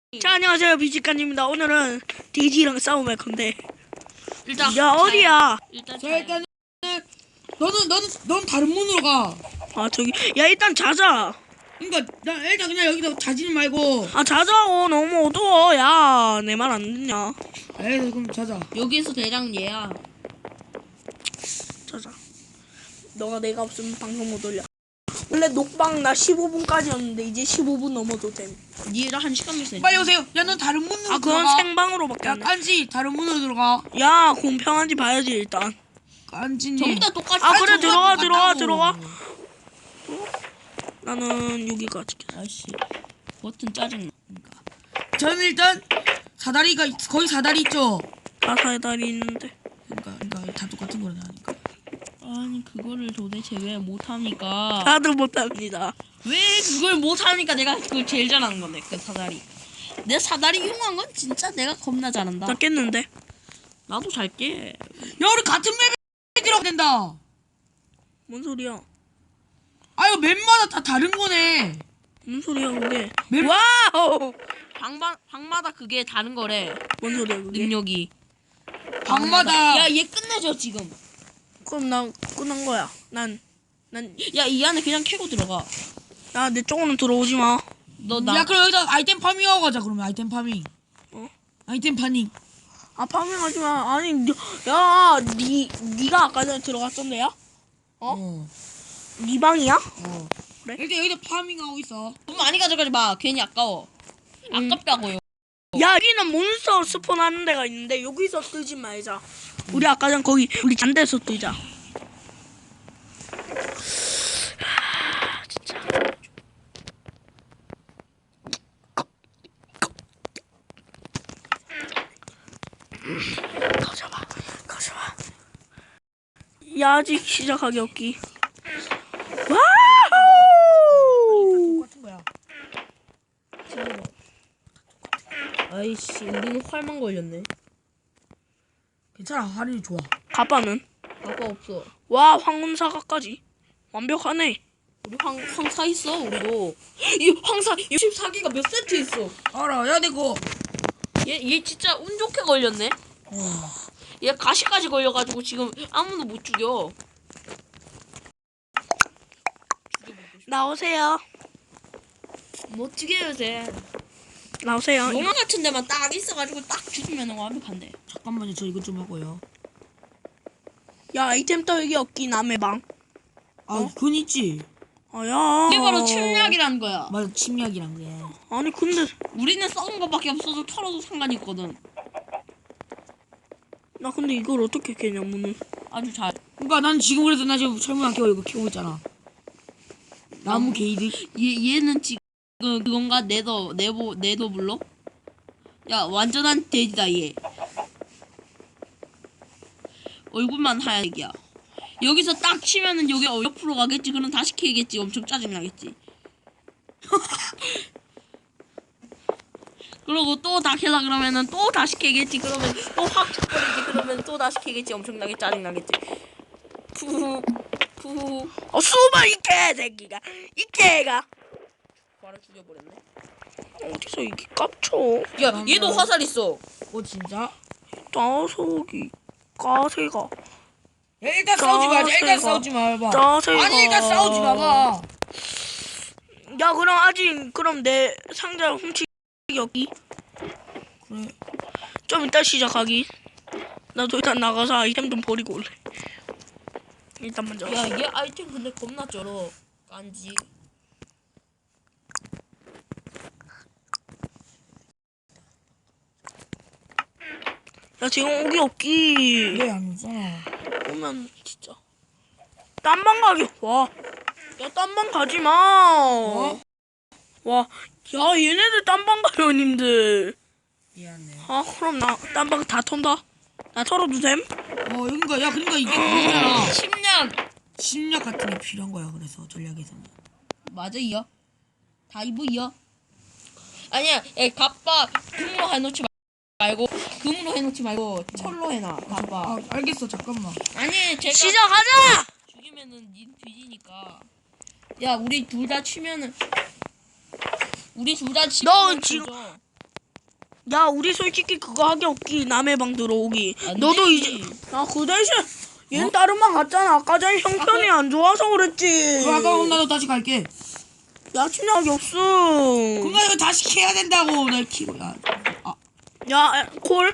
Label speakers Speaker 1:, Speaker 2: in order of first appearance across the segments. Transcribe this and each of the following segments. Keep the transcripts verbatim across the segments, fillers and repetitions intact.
Speaker 1: 자, 안녕하세요, 비지칸입니다. 오늘은 돼지랑 싸움할 건데.
Speaker 2: 일단
Speaker 1: 야, 어디야?
Speaker 2: 일단
Speaker 3: 자 일단은 너는 너는 넌 다른 문으로 가.
Speaker 1: 아, 저기. 야, 일단 자자.
Speaker 3: 그러니까 나 일단 그냥 여기서 자지는 말고.
Speaker 1: 아, 자자고. 너무 어두워. 야, 내 말 안 듣냐?
Speaker 3: 에이 그럼 자자.
Speaker 2: 여기서 대장 얘야.
Speaker 1: 자자. 너가 내가 없으면 방송 못 올려. 원래 녹방 나 십오 분까지였는데 이제 십오 분 넘어도 됨.
Speaker 2: 니랑 한 시간 있어.
Speaker 3: 빨리 오세요. 야 넌 다른 문으로
Speaker 1: 아, 그건
Speaker 3: 들어가.
Speaker 1: 생방으로밖에
Speaker 3: 야
Speaker 1: 안 돼.
Speaker 3: 깐지 다른 문으로 들어가.
Speaker 1: 야, 공평한지 봐야지 일단.
Speaker 3: 깐지님.
Speaker 2: 전부 다 똑같이.
Speaker 1: 아, 그래, 들어가, 들어가,
Speaker 3: 똑같다고.
Speaker 1: 들어가. 나는 여기가 지켜.
Speaker 2: 아씨 버튼 짜증나.
Speaker 3: 저는 일단 사다리가 있- 거기 사다리 있죠.
Speaker 1: 다 사다리 있는데.
Speaker 3: 그러니까 그러니까 다 똑같은 거라니까.
Speaker 2: 아니 그거를 도대체 왜 못합니까?
Speaker 1: 다들 못합니다.
Speaker 2: 왜 그걸 못합니까? 내가 그걸 제일 잘하는 건데 그 사다리. 내 사다리 이용한 건 진짜 내가 겁나 잘한다.
Speaker 1: 나 깼는데.
Speaker 2: 나도 잘 깨.
Speaker 3: 야 우리 같은 맵에 들어가 된다.
Speaker 1: 뭔 소리야?
Speaker 3: 아 이거 맵마다 다 다른 거네.
Speaker 1: 뭔 소리야 그게?
Speaker 3: 맵-
Speaker 1: 와우!
Speaker 2: 방방 방마다 그게 다른 거래.
Speaker 1: 뭔 소리야 그게?
Speaker 2: 능력이.
Speaker 3: 방마다.
Speaker 2: 야 얘 끝내줘 지금.
Speaker 1: 그럼 난 끝난 거야. 난, 난,
Speaker 2: 야 이 안에 그냥 캐고 들어가.
Speaker 1: 야, 내 쪽으로는 들어오지 마.
Speaker 2: 너 나.
Speaker 3: 야 그럼 여기다 아이템 파밍하고 가자. 그러면 아이템 파밍.
Speaker 1: 어?
Speaker 3: 아이템 파밍.
Speaker 1: 아, 파밍하지 마. 아니, 니- 야, 니, 니가 아까 전에 들어갔던데야? 어?
Speaker 3: 어.
Speaker 1: 니 방이야?
Speaker 3: 어.
Speaker 1: 그래?
Speaker 3: 일단 여기다 파밍하고 있어.
Speaker 2: 돈 많이 가져가지 마. 괜히 아까워. 아깝다고요.
Speaker 1: 야, 여기는 몬스터 스폰 하는 데가 있는데, 여기서 뜨지 말자. 우리 아까 전 거기, 우리 잔데서 뜨자. 하, 진짜. 가져봐, 가져봐. 야, 아직 시작하기 없기. 와우!
Speaker 3: 똑같은 거야.
Speaker 2: 아이씨 우리는 활만 걸렸네.
Speaker 3: 괜찮아. 할인이 좋아.
Speaker 1: 가빠는?
Speaker 2: 아까 없어.
Speaker 1: 와, 황금사과까지. 완벽하네.
Speaker 2: 우리 황, 황사 있어 우리도. 이 황사 육십사 개가 몇 세트 있어.
Speaker 3: 알아. 야 내거.
Speaker 2: 얘, 얘 진짜 운 좋게 걸렸네.
Speaker 3: 어.
Speaker 2: 얘 가시까지 걸려가지고 지금 아무도 못 죽여.
Speaker 1: 나오세요.
Speaker 2: 못 죽여요 쟤.
Speaker 1: 나오세요.
Speaker 2: 용암 같은 데만 딱 있어가지고 딱 죽이면 완벽한데.
Speaker 3: 잠깐만요. 저 이것 좀 하고요.
Speaker 1: 야, 아이템 떨기 없기 남의 방.
Speaker 3: 아,
Speaker 1: 어?
Speaker 3: 그건 있지.
Speaker 1: 아, 야.
Speaker 2: 이게 바로 침략이라는 거야.
Speaker 3: 맞아. 침략이란 게.
Speaker 1: 아니, 근데
Speaker 2: 우리는 썩은 거밖에 없어서 털어도 상관이 있거든.
Speaker 1: 나 근데 이걸 어떻게 캐냐, 문을.
Speaker 2: 아주 잘.
Speaker 3: 그러니까 난 지금 그래서 나 지금 철문 안 켜고 이거 키우고 있잖아. 나무 게이드.
Speaker 2: 얘 얘는 지금 그건가 네더 네보 네더 블록? 야 완전한 돼지다 얘. 얼굴만 하얘기야. 여기서 딱 치면은 여기 어 옆으로 가겠지. 그럼 다시 캐겠지. 엄청 짜증 나겠지. 그러고 또 다 캐라 그러면은 또 다시 캐겠지. 그러면 또 확 쳐버리지. 그러면 또 다시 캐겠지. 엄청나게 짜증 나겠지. 푸후 푸후.
Speaker 1: 어, 숨어, 이 개새끼가. 이 개가.
Speaker 2: 바로 죽여버렸네.
Speaker 1: 어디서 이게 깝쳐.
Speaker 2: 야 얘도 화살 있어.
Speaker 3: 어 진짜?
Speaker 1: 짜석이. 까새가.
Speaker 3: 야, 일단 싸우지 말자. 일단
Speaker 1: 짜세가.
Speaker 3: 싸우지 말봐.
Speaker 1: 짜새가.
Speaker 3: 아니 일단 싸우지 마봐.
Speaker 1: 야, 그럼 아직, 그럼 내 상자 훔치기 없기.
Speaker 3: 그래.
Speaker 1: 좀 이따 시작하기. 나도 일단 나가서 아이템 좀 버리고 올래. 일단 먼저.
Speaker 2: 야 얘 아이템 근데 겁나 쩔어. 깐지.
Speaker 1: 야, 지금 오기 없기.
Speaker 3: 왜안 오잖아.
Speaker 1: 오면 진짜. 딴방 가기. 와. 야, 딴방 가지 마.
Speaker 3: 어?
Speaker 1: 와. 야, 얘네들 딴방 가요, 님들.
Speaker 3: 미안해.
Speaker 1: 아, 그럼 나 딴방 다 턴다. 나 털어도 됨?
Speaker 3: 어 여긴가 야 그러니까 이게 그거잖아.
Speaker 2: 침략.
Speaker 3: 침략 같은 게 필요한 거야. 그래서 전략에서는.
Speaker 2: 맞아 이요. 다 이거 이요. 아니야, 에 갑바 금으로 해놓지 말고 금으로 해놓지 말고 철로 해놔. 갑바.
Speaker 3: 아 알겠어. 잠깐만.
Speaker 2: 아니 제가
Speaker 1: 시작하자!
Speaker 2: 죽이면은 닌 뒤지니까. 야 우리 둘 다 치면은 우리 둘 다 치면은
Speaker 1: 너 지금-
Speaker 2: 조져.
Speaker 1: 야 우리 솔직히 그거 하기 없기. 남의 방 들어오기.
Speaker 2: 안
Speaker 1: 너도
Speaker 2: 되지.
Speaker 1: 이제 아 그 대신 얘는
Speaker 3: 어?
Speaker 1: 다른 방 갔잖아. 아까 전에 형편이 안 좋아서 그랬지.
Speaker 3: 그럼 아까 나도 다시 갈게.
Speaker 1: 야 침략이 없어.
Speaker 3: 그럼 나 이거 다시 캐야 된다고. 나 키고. 야. 아.
Speaker 1: 야 콜.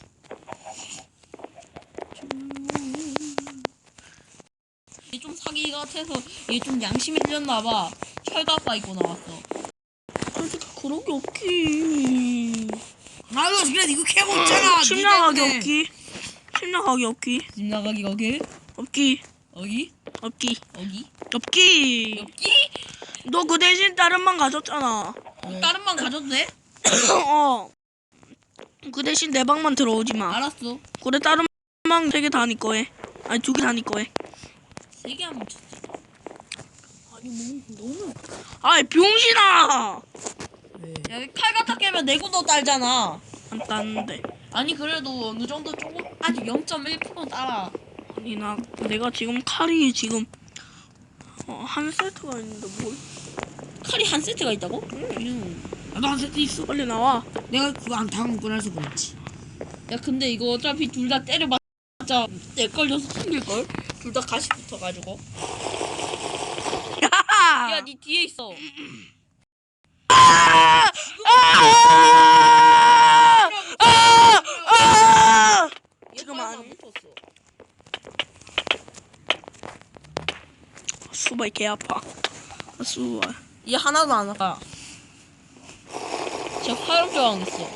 Speaker 2: 얘 좀 사기 같아서 얘 좀 양심이 틀렸나봐. 철갑바 입고 나왔어.
Speaker 1: 솔직히 그런 게 없기.
Speaker 3: 나도 그래 이거 캐고 있잖아.
Speaker 1: 침략하기
Speaker 3: 네가
Speaker 1: 없기. 침략하기 없기.
Speaker 2: 집 나가기 거기?
Speaker 1: 없기.
Speaker 2: 어기?
Speaker 1: 없기.
Speaker 2: 어기?
Speaker 1: 없기.
Speaker 2: 엽기?
Speaker 1: 너 그 대신 다른 방 가졌잖아.
Speaker 2: 다른 방 가져도 돼?
Speaker 1: 어. 그 대신 내 방만 들어오지 마.
Speaker 2: 알았어.
Speaker 1: 그래 다른 방 세 개 다 니 거해. 아니 두 개 다 니 거해.
Speaker 2: 세 개 하면 쳤지.
Speaker 1: 아니 뭐 너무. 아이 병신아.
Speaker 2: 야, 칼 갖다 깨면 내구도 딸잖아.
Speaker 1: 안 땄는데.
Speaker 2: 아니 그래도 어느 정도 조금 아직 영 점 일 퍼센트 따라.
Speaker 1: 아니 나 내가 지금 칼이 지금 어, 한 세트가 있는데 뭘?
Speaker 2: 칼이 한 세트가 있다고? 음.
Speaker 3: 나도 한 세트 있어.
Speaker 1: 빨리 나와.
Speaker 3: 내가 그거 안 타고 꺼내서 그렇지.
Speaker 2: 야 근데 이거 어차피 둘 다 때려봤자 내 걸려서 튕길걸? 둘 다 가시 붙어가지고.
Speaker 1: 야!
Speaker 2: 야 니 뒤에 있어.
Speaker 1: 아! 아! 아! 아! 잠깐만.
Speaker 2: 얘 못 쳤어.
Speaker 1: 수발 개 아파. 수발.
Speaker 2: 얘 하나도 안 아파. 쟤 화염 저항 있어.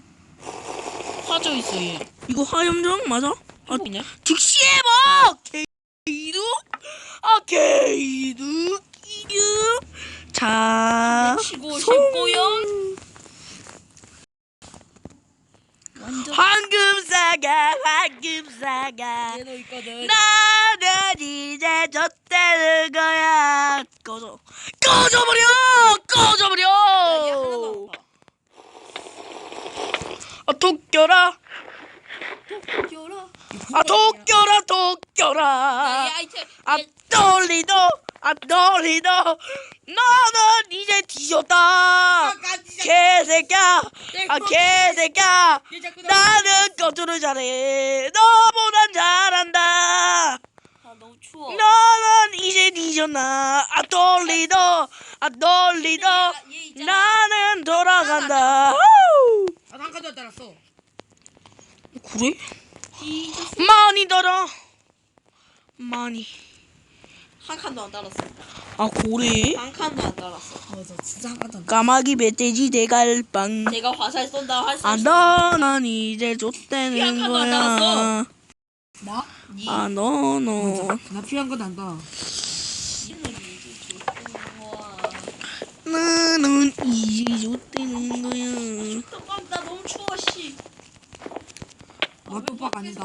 Speaker 2: 화져 있어 얘.
Speaker 1: 이거 화염정 맞아? 아,
Speaker 2: 이네.
Speaker 1: 즉시 해봐! 게이득? 아, 게이득? 이득? 자,
Speaker 2: 치고
Speaker 1: 송.
Speaker 2: 싶고요. 완전
Speaker 1: 황금사가, 황금사가.
Speaker 2: 얘도 있거든.
Speaker 1: 나는 이제 졌다는 거야. 꺼져. 꺼져버려!
Speaker 2: 야, 얘 하나도
Speaker 1: 꺼져버려!
Speaker 2: 안 아파.
Speaker 1: 아, 독겨라.
Speaker 2: 귀여라.
Speaker 1: 아, 독겨라,
Speaker 2: 야,
Speaker 1: 독겨라.
Speaker 2: 얘 아이템.
Speaker 1: 아,
Speaker 2: 얘
Speaker 1: 떨리도, 아, 떨리도. 너는 이제 뒤졌다. 개새끼야. 아, 개새끼야. 나는 거주를 잘해. 너보단 잘한다.
Speaker 2: 아 너무 추워.
Speaker 1: 너는 이제 뒤졌나. 아, 떨리도, 아, 떨리도.
Speaker 2: 얘 있잖아.
Speaker 1: 나는 돌아간다. 아우.
Speaker 3: 아, 한 가지 안 따랐어.
Speaker 1: 그래?
Speaker 2: 뒤졌어.
Speaker 1: 많이 달아. 많이.
Speaker 2: 한 칸도 안 달았어.
Speaker 1: 아, 그래?
Speaker 2: 한 칸도 안 달았어.
Speaker 3: 맞아, 진짜 한 가지 안
Speaker 1: 까마귀 멧돼지 대갈빵.
Speaker 2: 내가 화살 쏜다 화살.
Speaker 1: 아,
Speaker 2: 쏜다.
Speaker 1: 너는 이제 좆되는
Speaker 2: 피한 칸도 안
Speaker 1: 거야.
Speaker 2: 달았어.
Speaker 3: 나?
Speaker 2: 니.
Speaker 1: 아, 너, 너.
Speaker 3: 나 필요한 건 안 다.
Speaker 2: 얘는 이제 줬던 거야.
Speaker 1: 너는 이제 좆되는 거야.
Speaker 2: 잠깐 나 너무 추워 씨.
Speaker 3: 나 뽀빡 아니다.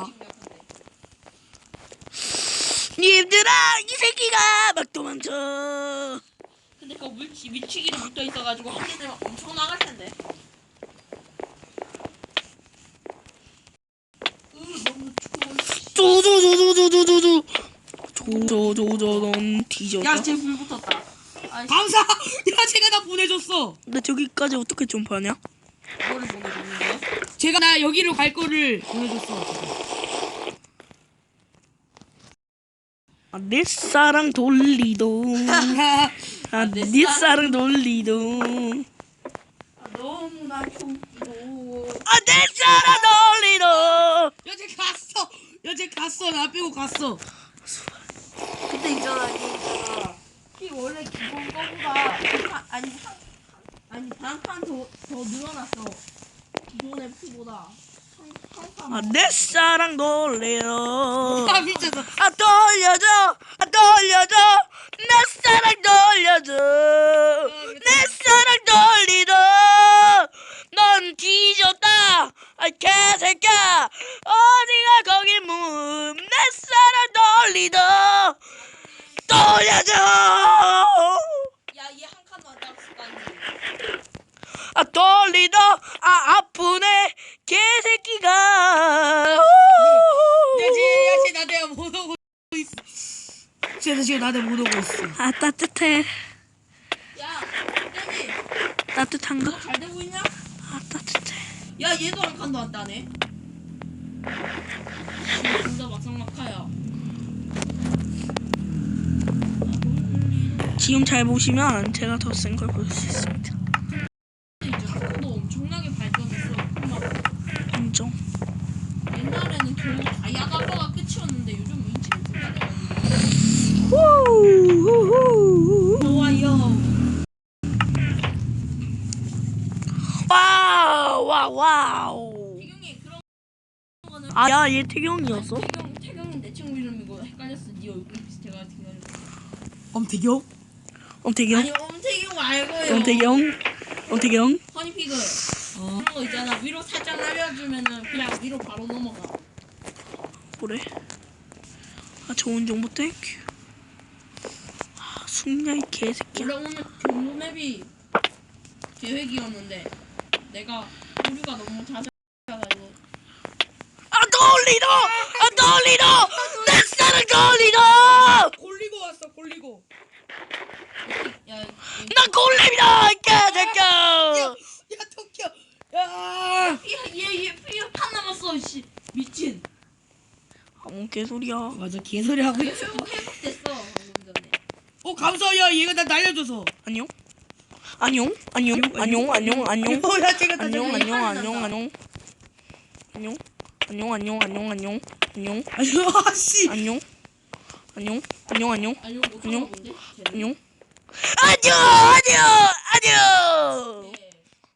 Speaker 1: 님들아, 이 새끼가 막 도망쳐.
Speaker 2: 근데 그 물치 밀치기를 붙어 있어가지고 한 개 되면 엄청 나갈 텐데. 으 너무 추워.
Speaker 1: 조조조조조조조조. 조조조조, 넌 뒤졌다.
Speaker 2: 야, 쟤 불 붙었다. 아이씨,
Speaker 3: 감사! 야, 제가 나 보내줬어.
Speaker 1: 나 저기까지 어떻게 점프하냐?
Speaker 2: 뭐를 보내줬는데?
Speaker 3: 제가 나 여기로 갈 거를 보내줬어.
Speaker 1: 아, 내 사랑 돌리도. 아,
Speaker 2: 내
Speaker 1: 내
Speaker 2: 사랑
Speaker 1: 사랑 돌리도.
Speaker 2: 아, 너무 나 춥고.
Speaker 1: 아, 내 사랑 돌리도.
Speaker 3: 야, 쟤 갔어. 야, 쟤 갔어. 나 빼고 갔어.
Speaker 2: 근데 있잖아, 이게 있잖아. 키 원래 기본 거보다 한 칸, 아니 한, 아니 반칸 더 더 늘어났어. 기존의 피보다.
Speaker 1: 아, 내 사랑 돌리도.
Speaker 3: 아, 미쳤어.
Speaker 1: 아, 돌려줘. 아, 돌려줘. 내 사랑 돌려줘. 내 사랑 돌리도. 넌 뒤졌다. 아, 개새끼야. 어디가 거기 문. 내 사랑 돌리도. 돌려줘.
Speaker 2: 야, 얘 한 칸도 안 땄을 거 아니야.
Speaker 1: 아, 돌리도. 아, 아프네. 개새끼가.
Speaker 3: 야, 쟤, 야, 쟤 나대가 못 오고 있어. 쟤도 지금 나대 못 오고 있어.
Speaker 1: 아, 따뜻해.
Speaker 2: 야, 떼지.
Speaker 1: 따뜻한가?
Speaker 2: 너 잘 되고 있냐?
Speaker 1: 아, 따뜻해.
Speaker 2: 야 얘도 한 칸도 안 따네. 진짜 막상막하야.
Speaker 1: 지금 잘 보시면 제가 더 센 걸 볼 수 있습니다.
Speaker 2: 이제 코도 엄청나게 발전했어. 막
Speaker 1: 인정.
Speaker 2: 옛날에는 겨우 다이아달러가 끝이었는데 요즘 인치가 돼가지고.
Speaker 1: 후후후.
Speaker 2: 좋아요.
Speaker 1: 와우 와우 와우.
Speaker 2: 태경이 그런 거는
Speaker 1: 아, 야, 얘 태경이었어?
Speaker 2: 태경 태경이 내 친구 이름이고 헷갈렸어. 네 얼굴 비슷해가지고.
Speaker 3: 엄태경?
Speaker 1: 엄태경?
Speaker 2: 아니 엄태경 말고요.
Speaker 1: 엄태경? 엄태경?
Speaker 2: 허니피그.
Speaker 3: 어.
Speaker 2: 그런 거 있잖아. 위로 살짝 날려주면은 그냥 위로 바로 넘어가.
Speaker 1: 그래. 아, 좋은 정보 땡큐. 아, 숙냐 이 개새끼야.
Speaker 2: 원래 오늘 경로 맵이 계획이었는데 내가 오류가 너무 잦아가지고.
Speaker 1: 아, 골리도! 아, 골리도! 넥사는 골리도!
Speaker 3: 골리고 왔어 골리고.
Speaker 2: 야,
Speaker 1: 나 골렘이다! 이 개새끼야!
Speaker 3: 야 토끼야. 야.
Speaker 2: 얘얘얘 판 남았어. 씨 미친.
Speaker 1: 아, 뭔 개소리야.
Speaker 3: 맞아 개소리 하고 있어.
Speaker 2: 회복 회복됐어 방금 전에.
Speaker 3: 어 감사해요 얘가 나 날려줘서.
Speaker 1: 안녕? 안녕? 안녕? 안녕? 안녕? 안녕?
Speaker 3: 어, 야 제가 나
Speaker 1: 안녕?
Speaker 3: 날려-
Speaker 1: 안녕? 안녕? 안녕? 안녕? 안녕? 안녕? 안녕? 안녕? 안녕?
Speaker 3: 아유 아씨.
Speaker 1: 안녕? 안녕? 안녕? 안녕?
Speaker 2: 아니요 못
Speaker 1: 안녕?
Speaker 2: 찾아본데.
Speaker 1: 안녕? 안녕! 안녕! 안녕!
Speaker 2: 네.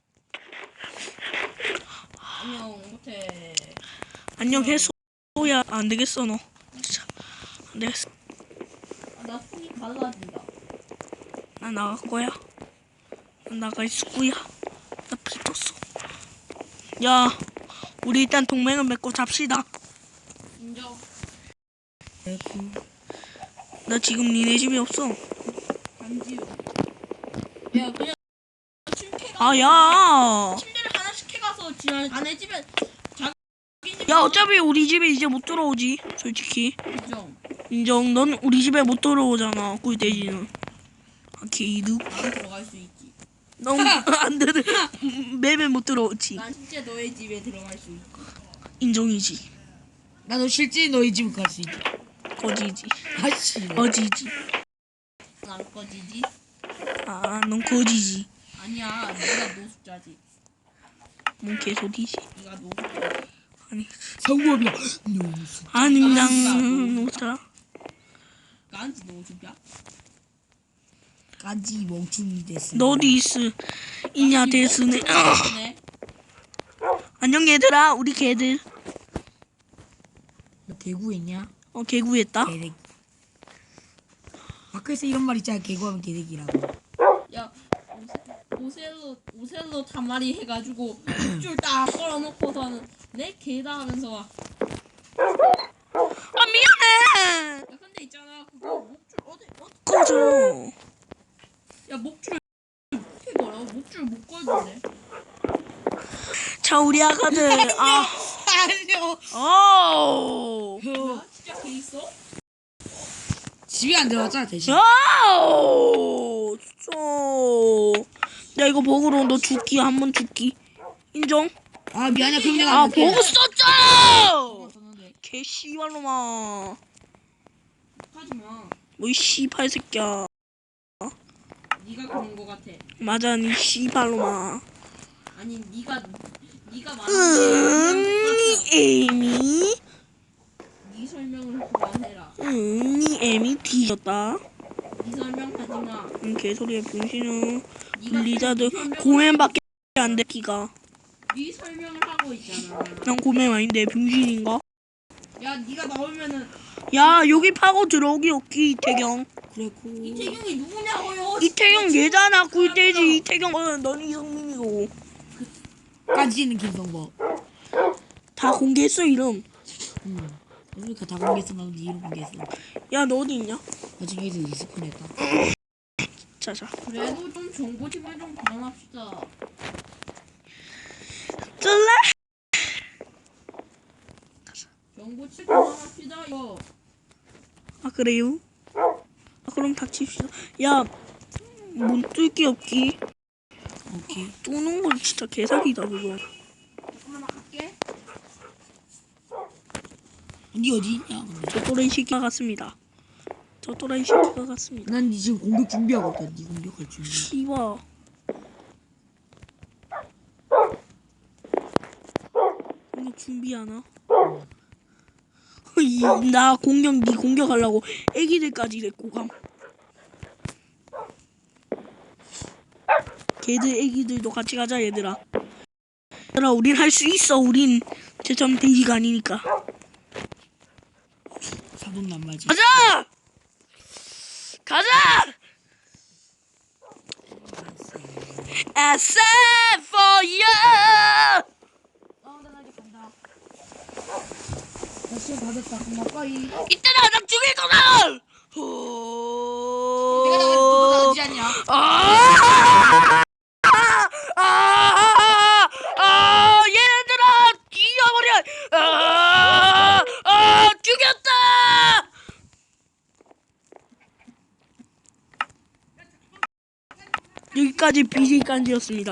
Speaker 2: 안녕 못해.
Speaker 1: 안녕 해소야. 안 되겠어 너. 진짜 안 되겠어.
Speaker 2: 아, 나 손이 갈라진다.
Speaker 1: 나 나갈 거야. 나 나갈 수구야. 나 비떴어. 야, 우리 일단 동맹을 맺고 잡시다.
Speaker 2: 인정.
Speaker 1: 나 지금 니네 집에 없어.
Speaker 2: 반지요. 야 그냥 침캐
Speaker 1: 아, 야.
Speaker 2: 침대를 하나씩 해가서 지난 아내 집에 자기 집.
Speaker 1: 야, 어차피 우리 집에 이제 못 들어오지. 솔직히.
Speaker 2: 인정.
Speaker 1: 인정. 넌 우리 집에 못 들어오잖아. 꿀돼지는. 아, 개이득.
Speaker 2: 난 들어갈 수 있지.
Speaker 1: 넌안 들어. 맵에 못 들어오지.
Speaker 2: 난 진짜 너의 집에 들어갈 수 있지.
Speaker 1: 인정이지.
Speaker 3: 나도 실제 너희 집 갈 수 있다.
Speaker 1: 거지지.
Speaker 3: 아씨.
Speaker 1: 거지지.
Speaker 2: 안 꺼지지?
Speaker 1: 아, 넌 거지지.
Speaker 2: 아니야, 네가 노숙자지.
Speaker 1: 뭔 개소리지.
Speaker 2: 네가 노숙자지.
Speaker 1: 아니,
Speaker 3: 성범이야.
Speaker 1: 아니, 난 노사.
Speaker 2: 깐지 노숙자?
Speaker 3: 까지 멍충이 됐어.
Speaker 1: 너디스 이냐 데스네.
Speaker 2: 네.
Speaker 1: 안녕 얘들아, 우리 개들.
Speaker 3: 너 개구했냐?
Speaker 1: 어, 개구했다.
Speaker 3: 개새끼. 밖에서 이런 말 있잖아. 개구하면 개새끼라고.
Speaker 2: 야, 오세- 오셀로 오셀로 다마리 해가지고 줄 딱 걸어놓고서는 내 개다 하면서 와.
Speaker 1: 아, 미안해.
Speaker 2: 야, 근데 있잖아, 그거 목줄 어디 어디?
Speaker 1: 꺼져.
Speaker 2: 야, 목줄 어떻게 걸어? 목줄 못 걸던데.
Speaker 1: 자, 우리 아가들. 아,
Speaker 3: 아니요.
Speaker 1: 오.
Speaker 2: 야, 진짜 개 있어?
Speaker 3: 집에 안 들어왔잖아 대신.
Speaker 1: 아우. 진짜. 야, 이거 버그로 너 죽기 한 번 죽기. 인정?
Speaker 3: 아 미안해 그럼 내가
Speaker 1: 아,
Speaker 3: 안 할게.
Speaker 1: 버그 썼잖아.
Speaker 3: 썼는데.
Speaker 1: 개 씨발로마.
Speaker 2: 하지 마.
Speaker 1: 뭐 이 씨발 새끼야.
Speaker 2: 네가 그런 거 같아.
Speaker 1: 맞아, 니 씨발로마.
Speaker 2: 아니, 네가 네가
Speaker 1: 음,
Speaker 2: 말하는
Speaker 1: 니 애미.
Speaker 2: 네 설명을 그만해라.
Speaker 1: 음, 니 애미 뒤졌다.
Speaker 2: 네 설명하지 마.
Speaker 1: 음, 개소리야, 분신은.
Speaker 2: 네가
Speaker 1: 블리자드
Speaker 2: 네 설명을-
Speaker 1: 고맨밖에 안 돼, 기가.
Speaker 2: 네 설명을 하고 있잖아.
Speaker 1: 난 고맨 아닌데, 분신인가?
Speaker 2: 야, 네가 나오면은
Speaker 1: 야, 여기 파고 들어오기 없기, 이태경.
Speaker 3: 그랬고.
Speaker 2: 이태경이 누구냐고요?
Speaker 1: 이태경 얘잖아, 꿀돼지. 이태경, 어, 넌 이성민이고.
Speaker 3: 까지는 김성범.
Speaker 1: 다 공개했어, 이름.
Speaker 3: 응. 그러니까 다 공개했어. 나도 네 이름 공개했어.
Speaker 1: 야, 너 어디 있냐?
Speaker 3: 나중에 애들 리스폰했다.
Speaker 1: 자자.
Speaker 2: 그래도 좀 정보 제발 좀 그만합시다.
Speaker 1: 쩔래?
Speaker 2: 정보 칠 그만합시다. 이거.
Speaker 1: 아, 그래요? 아, 그럼 닥칩시다. 야, 문 뚫기 없기.
Speaker 3: 오케이.
Speaker 1: 뚫는 건 진짜 개사기다, 그거.
Speaker 3: 니 어디 있냐? 근데.
Speaker 1: 저 또라이 새끼가 같습니다. 저 또라이 새끼가 같습니다.
Speaker 3: 난니 지금 공격 준비하고 있다. 니 공격할 준비.
Speaker 1: 씨발. 공격 준비하나? 이, 나 공격 니 공격하려고 애기들까지 데리고 감. 걔들 애기들도 같이 가자 얘들아. 얘들아 우린 할 수 있어. 우린 제점 돼지가 아니니까.
Speaker 3: 사돈 남바지.
Speaker 1: 가자! 가자! I said for you.
Speaker 2: 어, 나 이제 간다.
Speaker 3: 나 시험 다 됐다. 그럼 가까이.
Speaker 1: 이때나 나 죽일 거다.
Speaker 3: 내가 나가 너도 나지 않냐?
Speaker 1: 아! 아! 아! 아! 얘들아 뒤져버려. 아! 아! 죽였다. 여기까지 비제이 깐지였습니다.